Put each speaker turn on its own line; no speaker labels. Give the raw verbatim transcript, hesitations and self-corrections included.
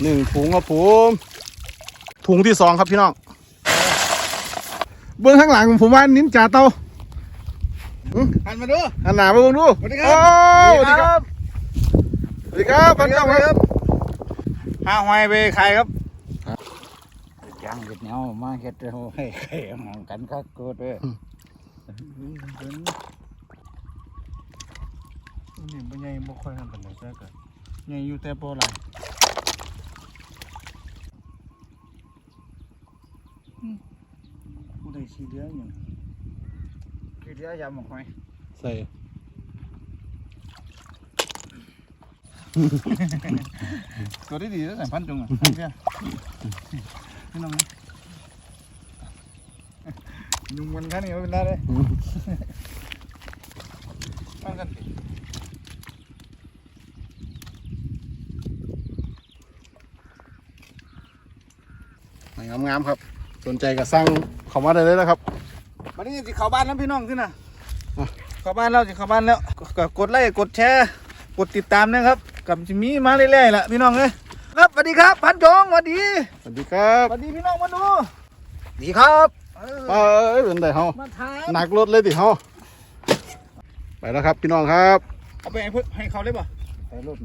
หนึ่งถุงครับผมถุงที่สองครับพี่น้องเบื้องข้างหลังผมว่านิ้นจ่าเตา
หันมาดู
อันหนามาเบื้องดู
สวัสดีครั
โอ้
สวัสดีครับ
สวัสดีครับพันเจ้าครับ
หาหอยไปขายครับ
ยังเห็ดเหนียวมาเห็ดเอาให้ไข่ห่างกันคักเกิดเลย
นี่บ่ใหญ่บ่ค่อยทำปานใดแต่ก็ใหญ่อยู่แต่บ่หลายผู้ใดสิเหลือหยัง
คือเดี๋ยวยำหมกหอย
ใส่
ตัวได้ดีแล้วแต่พันจงอ่ะเพี่ยพี่น้องนี่ยุงมันแค่นี้ไม่เป็นไรเลยตั้งกันสิ
งามๆครับสนใจก็สั่งเข้ามาได้เลยนะครับ
วันนี้สิเข้าบ้านแล้วพี่น้องสินะเข้าบ้านแล้วสิเข้าบ้านแล้วก็กดไลค์กดแชร์กดติดตามนะครับกับจิมีมาเรื่อยๆแหละพี่น้องเลยครับสวัสดีครับพันจงสวัสดี
สวัสดีครับ
สวัสดีพี่น้องมาดู
ดีครับ
เอ
เอ
อ้
ยเป็นไงเฮา
มาถาม
หนักรถเลยดิเฮาไปแล้วครับพี่น้องครับ
เอาไปให้เพื่อนให้เขาเลยป่ะ
ไปรูป